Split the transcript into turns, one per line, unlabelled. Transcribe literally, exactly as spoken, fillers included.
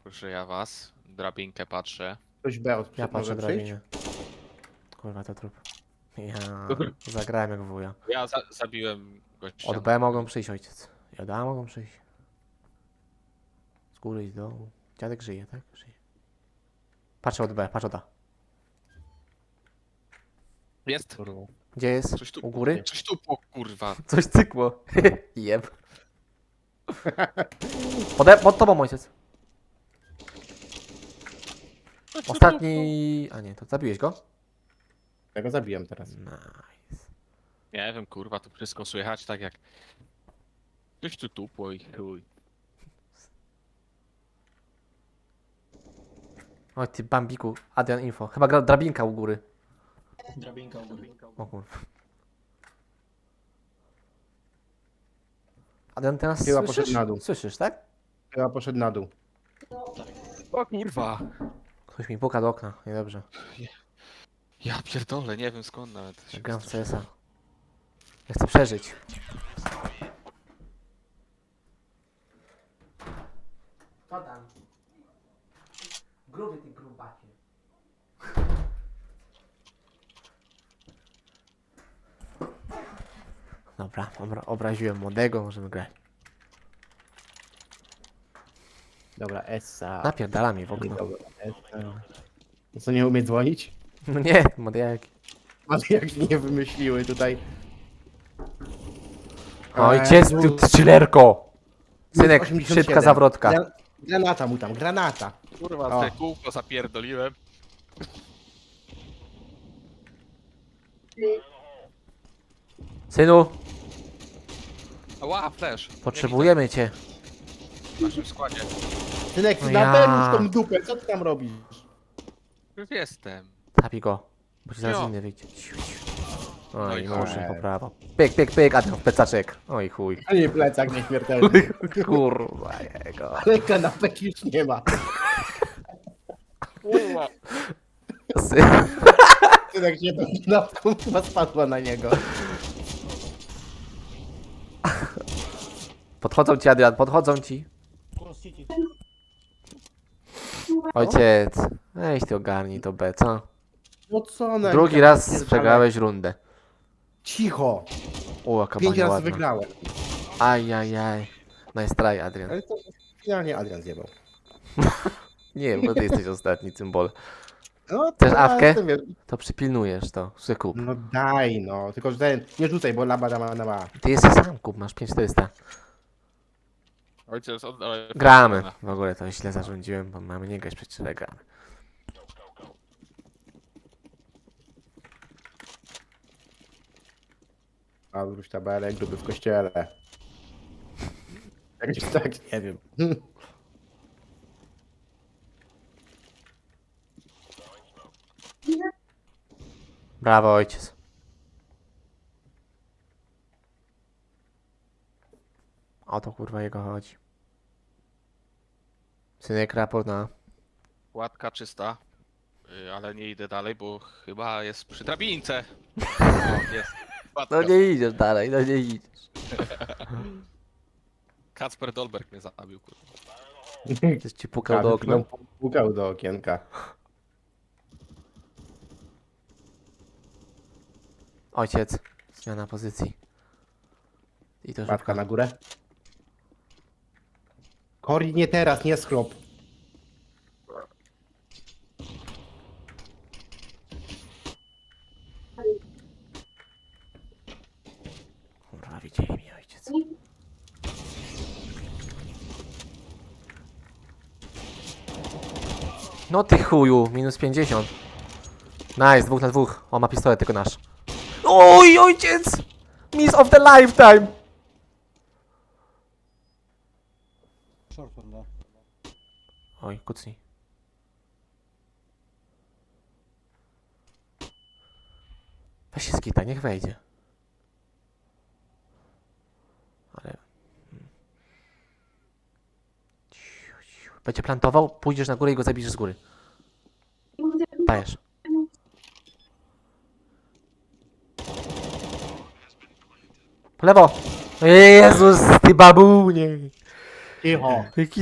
Proszę ja was. Drabinkę patrzę.
Ktoś B od
Ja patrzę
może przyjść?
drabinie. Kurwa, to trup. Ja zagrałem jak wuja.
Ja za zabiłem gościa.
Od B mogą przyjść ojciec. I od A mogą przyjść. Z góry i z dołu. Dziadek żyje, tak? Żyje. Patrzę od B, patrz od A.
Jest.
Gdzie jest?
Coś tu.
U góry?
Coś tu, po, kurwa.
Coś cykło. Jeb. Pode, pod tobą ojciec. Ostatni... A nie, to zabiłeś go?
Ja go zabiłem teraz.
Nice.
Nie wiem, kurwa, tu wszystko słychać tak jak... Coś tu tupło i chuj.
Oj ty bambiku. Adrian info. Chyba gra drabinka u góry.
Drabinka u góry.
O kurwa. Adrian teraz
Chyba
słyszysz?
poszedł na dół.
Słyszysz, tak?
Chyba poszedł na dół.
O kurwa.
Ktoś mi puka do okna. Niedobrze.
Ja pierdolę, nie wiem skąd nawet. się
Gram w
wystraszyłem.
C S a. Ja chcę przeżyć. Padam. Gruby ty grubacie. Dobra, obra obraziłem młodego, możemy grać.
Dobra, Essa.
Napierdala mi w okno.
Dobra, Essa. No co, nie umie dzwonić?
No nie, młodejaki.
Ale jak nie wymyśliły tutaj.
Ojciec,
Eee,
ty strzelerko! Synek,
osiemdziesiąt siedem.
szybka zawrotka.
Gra- Granata mu tam, granata.
Kurwa,
O.
te kółko zapierdoliłem.
Synu,
Ała, flash.
potrzebujemy cię.
W naszym składzie.
Synek,
No
na
ja.
ja. tą dupę, co ty tam robisz?
Już jestem.
Tapij go, bo ci zaraz
Jo.
inny wyjdzie. Ciu, ciu.
No
Oj,
i
murzyn
chuj.
po prawo. Pyk, pyk, pyk, a ten w plecaczek. Oj chuj.
A nie plecak nieśmiertelny.
Kurwa jego.
Ale kanapek już nie ma.
Kurwa.
Sy-
Synek się tą kanapką chyba spadła na niego.
Podchodzą ci, Adrian, podchodzą ci.
Cross City.
Ojciec, weź ty ogarnij to B, co?
No co ona?
Drugi raz przegrałeś rundę.
Cicho.
O, jaka
Pięć
bania
razy
ładna.
wygrałem.
Ajajaj. Nice try, Adrian.
Ale to finalnie Adrian zjebał.
Nie, bo ty jesteś ostatni cymbol.
No,
Chcesz
to
awkę?
jestem, wiesz.
To przypilnujesz to. Sobie kup.
No daj no, tylko że ten, nie rzucaj, bo laba dama na ma.
Ty jesteś sam, kup, masz pięć czterysta.
Ojciec, oddawaj.
Gramy. W ogóle to źle zarządziłem, bo mamy nie grać przecież, ale gramy.
A wróć tabelek, gruby w kościele. Jakoś tak, nie wiem.
Brawo, ojciec. O to kurwa jego chodzi. Synek, raport na...
Łatka czysta. Y, Ale nie idę dalej, bo chyba jest przy drabince. O, jest. Łatka.
No nie idziesz dalej, no nie idziesz.
Kacper Dolberg mnie zabił, kurwa.
Ktoś ci pukał do okna.
Pukał do okienka.
Ojciec, zmiana pozycji. I to
Matka
szybko.
na górę. Kori, nie teraz, nie schrop.
Kurwa, widzieli mnie, ojciec. No ty chuju, minus pięćdziesiąt. Nice, dwóch na dwóch. O, ma pistolet, tylko nasz. Oj, ojciec! Miss of the lifetime!
Short one, da.
Oj, kucnij. Weź się skita, niech wejdzie. Ale... Ciu, ciu. Będzie plantował, pójdziesz na górę i go zabijesz z góry. Dajesz. Po lewo! Jezus, ty babunie!
Cicho.
Jaki